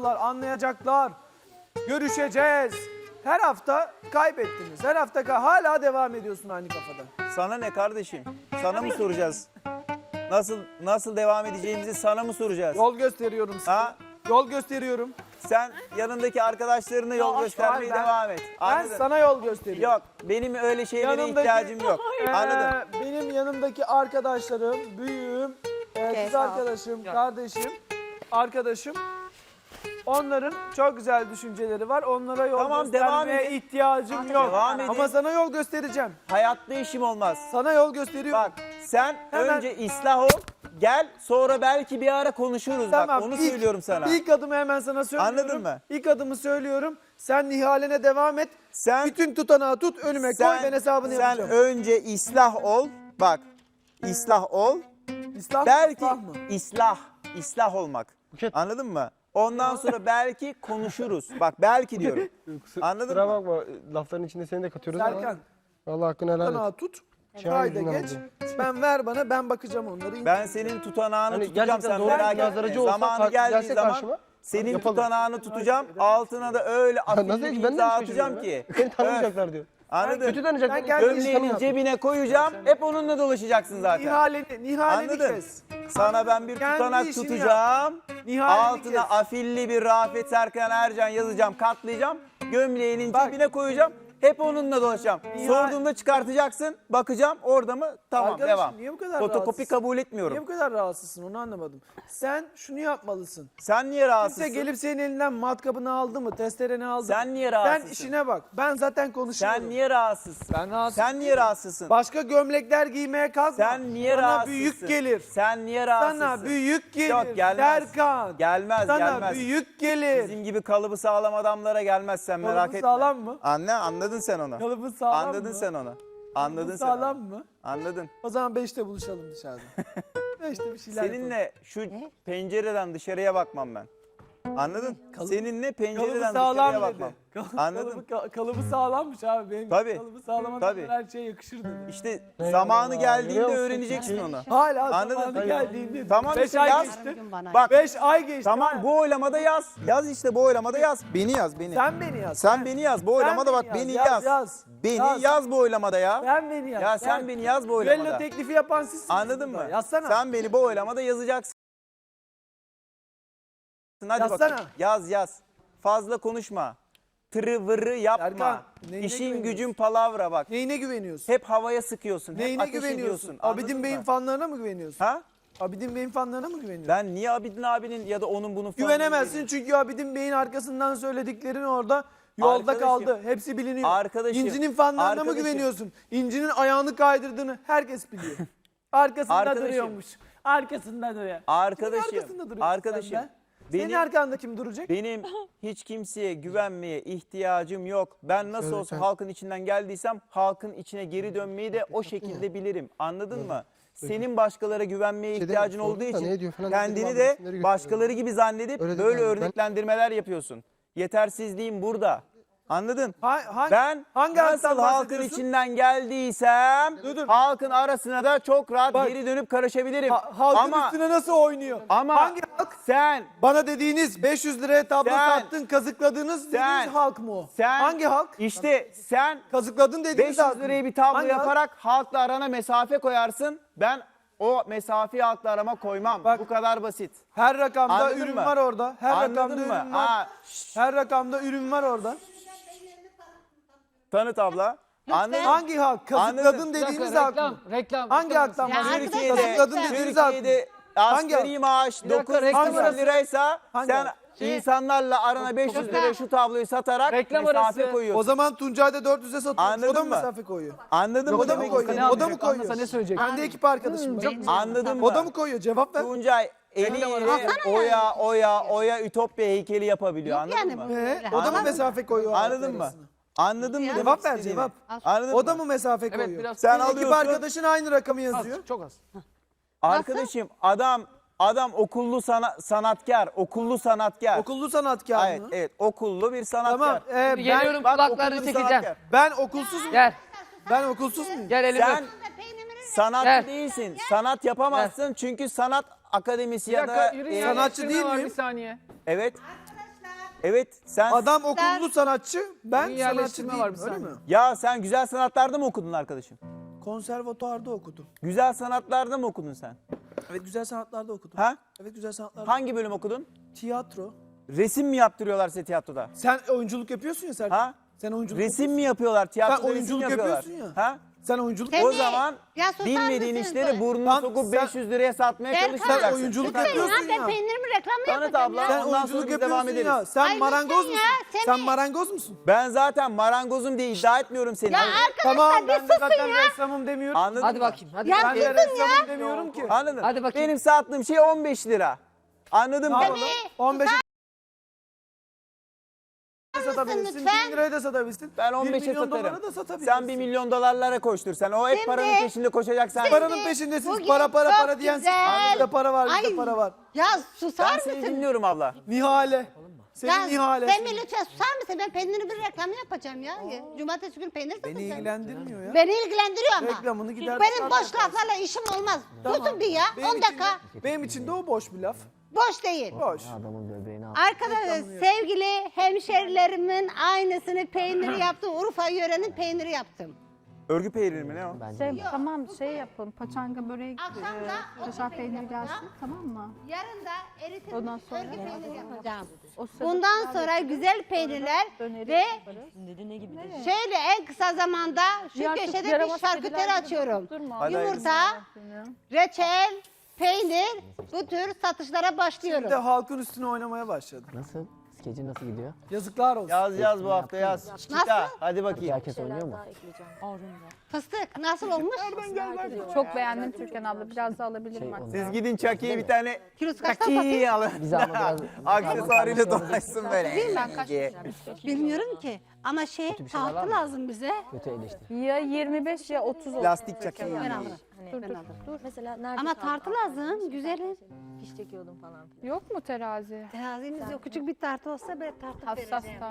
anlayacaklar, anlayacaklar. Görüşeceğiz. Her hafta kaybettiniz. Her hafta hala devam ediyorsun aynı kafada. Sana ne kardeşim? Sana mı soracağız? Nasıl devam edeceğimizi sana mı soracağız? Yol gösteriyorum sana. Ha? Yol gösteriyorum. Sen yanındaki arkadaşlarına yol göstermeye devam et. Ben Anladın? sana yol gösteriyorum. Yok, benim öyle şeylere Yanımdaki- ihtiyacım yok. Anladın? Benim yanımdaki arkadaşlarım, büyüğüm, kız sağ ol. arkadaşım, kardeşim, arkadaşım. Onların çok güzel düşünceleri var. Onlara yol Tamam, devam göstermeye edin. ihtiyacım yok. Devam edin. Ama sana yol göstereceğim. Hayatta işim olmaz. Sana yol gösteriyorum. Bak, sen Hemen- önce ıslah ol, gel, sonra belki bir ara konuşuruz. Bak, onu söylüyorum sana. İlk adımı hemen sana söylüyorum. Anladın mı? İlk adımı söylüyorum. Sen Nihal'ine devam et. Sen Bütün tutanağı tut, önüme koy, ben hesabını sen yapacağım. önce ıslah ol. Bak, ıslah ol. İslah mı, Belki ıslah mı? ıslah olmak. Buket. Anladın mı? Ondan sonra belki konuşuruz. Bak, belki diyorum. Anladın Kusura mı? bakma, lafların içinde seni de katıyoruz Serkan, ama. Vallahi hakkını helal et. tutanağı tut. Çay Kayda yüzünden geç. oldu. Ben ver bana, ben bakacağım onları. Ben senin tutanağını Hani tutacağım, gerçekten sen doğru merak bir etme. nazaracı olsa Zamanı geldiği gelse zaman karşıma, senin yapalım. tutanağını tutacağım, altına da öyle Nasıl afilli bir hiç ben de imza mi atacağım şaşırıyorum ki. ya? Beni tanımayacaklar diyor. Anladın? Kötü tanıyacaklar. Ben Gömleğinin cebine koyacağım, hep onunla dolaşacaksın zaten. Nihaleni Anladın? kes. Sana ben bir Kendi tutanak işini tutacağım. Nihaleni Altına kes. afilli bir Rafet Serkan Ercan yazacağım, katlayacağım. Gömleğinin Bak. cebine koyacağım. Hep onunla dolaşacağım. Nihal- Sorduğumda çıkartacaksın. Bakacağım orada mı? Tamam, Arkadaşım, devam. niye bu kadar Fotokopi rahatsızsın? kabul Niye etmiyorum. bu kadar rahatsızsın, onu anlamadım. Sen şunu yapmalısın. Sen niye Kimse rahatsızsın? gelip senin elinden matkabını aldı mı, testereni aldı mı? Sen niye rahatsızsın? Sen işine bak. Ben zaten konuşuyorum. Sen niye rahatsızsın? Ben rahatsız Sen niye rahatsızsın? Başka gömlekler giymeye kalkma. Sen niye Sana rahatsızsın? büyük gelir. Sen niye rahatsızsın? Sana büyük gelir. Yok, gelmez. Serkan. Gelmez, Sana gelmez. büyük gelir. Bizim gibi kalıbı sağlam adamlara gelmez, sen merak Kalıbı etme. sağlam mı? Anladın sen onu. Kalıbı sağlam Anladın mı? sen onu. Anladın Kalıbı sen sağlam onu. mı? Anladın. O zaman 5'te buluşalım dışarıda. 5'te bir şeyler yapalım. Seninle şu pencereden dışarıya bakmam ben. Anladın? Seninle pencereden Kalıbı dışarıya sağlam bakmam. dedi. Anladın? Kalıbı sağlammış abi. Benim Tabii. kalıbı sağlam Tabii. adamlar her şeye yakışır dedi. İşte Eyvallah. zamanı geldiğinde Görüyor musun? öğreneceksin onu. Hala Anladın? zamanı geldiğinde. Tamam 5 işte, ay yaz. geçti. Bak 5 ay geçti. tamam, Ha. bu oylamada yaz. Yaz işte, bu oylamada yaz. Beni yaz, beni. Sen beni yaz. Sen beni yaz. Bu oylamada bak, beni yaz. Beni yaz bu oylamada ya. Sen beni yaz. Ya sen beni yaz bu Düello oylamada. teklifi yapan sizsiniz. Anladın burada. mı? Yazsana. Sen beni bu oylamada yazacaksın. Hadi Yazsana. bakalım. Yaz. Fazla konuşma. Tırı vırı yapma. Serkan, neyine İşin güveniyorsun? gücün palavra bak. Neyine güveniyorsun? Hep havaya sıkıyorsun. Hep Neyine ateş güveniyorsun? ediyorsun. Anladın Abidin Bey'in mı? fanlarına mı güveniyorsun? Ha? Abidin Bey'in fanlarına mı güveniyorsun? Ben niye Abidin abinin ya da onun bunun falan Güvenemezsin çünkü Abidin Bey'in arkasından söylediklerin orada yolda Arkadaşım, kaldı. Hepsi biliniyor. arkadaşım, İnci'nin fanlarına mı arkadaşım. güveniyorsun? İnci'nin ayağını kaydırdığını herkes biliyor. Arkasında Arkadaşım. duruyormuş. Arkasında duruyor. Arkadaşım, Kimin arkasında duruyorsun arkadaşım, sen be? Senin benim- arkanda kim duracak? Benim hiç kimseye güvenmeye ihtiyacım yok. Ben nasıl olsa halkın içinden geldiysem halkın içine geri dönmeyi de o şekilde bilirim. Anladın mı? Senin başkalara güvenmeye Şey ihtiyacın dedim, olduğu sordum da için ne diyor falan kendini dedim, de abi, resimleri başkaları gibi zannedip Öyle böyle değil yani. örneklendirmeler yapıyorsun. Yetersizliğim burada. Anladın? Ben hangi nasıl halktan halkın bahsediyorsun? içinden geldiysem Dur. halkın arasına da çok rahat Bak. geri dönüp karışabilirim. Halkın ama üstüne nasıl oynuyor? ama Hangi halk? sen Bana dediğiniz 500 liraya tablo Sen- sattın, kazıkladınız Sen- dediğiniz halk mı o? sen Hangi halk? İşte sen Kazıkladın dediğiniz 500 halk mı? liraya bir tablo Hangi halk? yaparak halkla arana mesafe koyarsın. Ben o mesafeyi halkla arama koymam. Bak. Bu kadar basit. Her rakamda Anladın ürün mı? var orada. Her Anladın rakamda mı? ürün var. Aa, Her rakamda ürün var orada. tanıt abla. Anladın mı? Hangi halk? Kazıkladın Anladım. dediğiniz halk mı? Reklam. Hangi halktan Ya bahsediyorsun? arkadaşlar, Kazıkladın dediğiniz halk mı? Türkiye'de Hangi asgari halk? maaş Bir dakika, 9 reklam arası. liraysa Hangi sen halk? insanlarla arana 500 liraya şu tabloyu satarak Reklam mesafe arası. koyuyorsun. O zaman Tuncay da 400'e satıyor. Anladın O da mı mı? mesafe koyuyor? Anladın mı? O da mı demek koyuyor? istediğimi? O da mı koyuyor? Ne söyleyecek? Ben de ekip arkadaşım. var. Anladın mı? O da mı koyuyor? Cevap ver. Tuncay eliyle oya Ütopya heykeli yapabiliyor. Anladın yani mı? bu. O da mı Anladın mesafe koyuyor? Anladın mı? Anladın mı? demek Cevap ver, istediğimi? cevap. Anladın O da mı? mı mesafe koyuyor? biraz. Sen Ekip alıyorsun. arkadaşın aynı rakamı yazıyor. Çok az. Arkadaşım adam okullu sanatkar, okullu sanatkar. Okullu sanatkar Evet, mı? evet, okullu bir sanatkar. Tamam. Geliyorum, Bak, kulaklarını okullu bir çekeceğim. sanatkar. Ben okulsuz muyum? Gel. Ben okulsuz muyum? Gel elimi Sen öp. sanatçı Gel. değilsin. Sanat yapamazsın çünkü sanat akademisi Bir ya dakika da yürü ya. sanatçı Eleştirme değil var, miyim? Bir saniye. evet. Evet sen Adam okullu sanatçı, ben sanatçı yerleştirme değilim, var bir öyle saniye. mi? ya sen güzel sanatlarda mı okudun arkadaşım? Konservatuarda okudum. Güzel sanatlarda mı okudun sen? Evet, güzel sanatlarda okudum. Ha? Evet, güzel sanatlarda. Hangi bölüm okudun? Tiyatro. Resim mi yaptırıyorlar size tiyatroda? Sen oyunculuk yapıyorsun ya Serkan. Ha? Sen oyunculuk Resim mi yapıyorlar tiyatroda? Sen resim oyunculuk yapıyorlar. yapıyorsun ya. Ha? Sen oyunculuk Sen- O Tabii. zaman Ya susar bilmediğin mısın? işleri burnunu Tam sokup sen- 500 liraya satmaya Serkan, çalışacaksın. sen oyunculuk Lütfen yapıyorsun ya. Ben ya. peynirimi reklamını Tanıt yapacağım abla. ya. Sen Ondan oyunculuk sonra biz yapıyorsun devam ya. ederiz. Sen Ay, marangoz lütfen musun? ya, Sen Semih. marangoz musun? Ben zaten marangozum diye iddia etmiyorum seni. Ya Hadi. arkadaşlar Tamam, bir ben de susun zaten ya. ressamım demiyorum. Anladın Hadi mı? bakayım. Hadi Ya Ben bakayım. de susun ressamım demiyorum ki. Anladın. Hadi bakayım. Benim sattığım şey 15 lira. Anladın Ne mı? yapalım? 15'e satabilirsin, lütfen? 1000 liraya da satabilirsin. Ben 1 15'e milyon dolara satarım. da satabilirsin. Sen 1 milyon dolarlara koştur. Sen o hep Şimdi- paranın peşinde koşacaksan. Paranın peşindesiniz. Bugün Para para çok para diyen siz. güzel. Bizde para var, bizde Ay, para var. Ya susar Ben seni mısın? dinliyorum abla. Nihale. Senin Ya Nihale. sen bir lütfen susar mısın? Ben peyniri bir reklamı yapacağım ya. Cumartesi günü peynir Beni satacağım. ilgilendirmiyor ya. Beni ilgilendiriyor ama. Reklamını gider. Benim boş laflarla işim olmaz. Tutun bir ya. Benim 10 dakika. için de- benim için de o boş bir laf. Boş değil. Boş. Arkadaşlar sevgili hemşerilerimin aynısını peyniri yaptım. Urfa yörenin peyniri yaptım. Örgü peyniri mi ne o? Tamam şey yapalım. Paçanga böreği, Akşam da kaşar o peyniri yapacağım. gelsin, tamam mı? Yarın da eritilmiş Ondan sonra- örgü peyniri yapacağım. O sırada Bundan pilav sonra yaparız, güzel peynirler döneri ve yaparız. şöyle en kısa zamanda şu Diğer köşede bir yaramaz şarküteri kediler açıyorum. durma. Hadi Yumurta, reçel, peynir bu tür satışlara başlıyorum. Bir de halkın üstüne oynamaya başladı. Nasıl? Skecin nasıl gidiyor? Yazıklar olsun. Yaz bu hafta yaz. Çita hadi bakayım. Herkes oynuyor mu? Fıstık nasıl olmuş? Çok beğendim Türkan abla. Biraz da alabilirim artık. Siz gidin Chucky'ye bir tane Kilosu kaçtan satayım? Chucky'yi alın. Bize ama biraz... Aksesuarıyla dolaşsın böyle. Ben kaç diye. Bilmiyorum ki ama tahtı lazım bize. Kötü eleştiri. Ya 25 ya 30 olsun. Lastik Chucky'yi. Ben alırım. Dur, dur, dur. Mesela nerede Ama tartı lazım güzelim. fiş çekiyordum falan. Yok mu terazi? Terazimiz yok. Küçük bir tartı olsa böyle tartı Hassas vereceğim.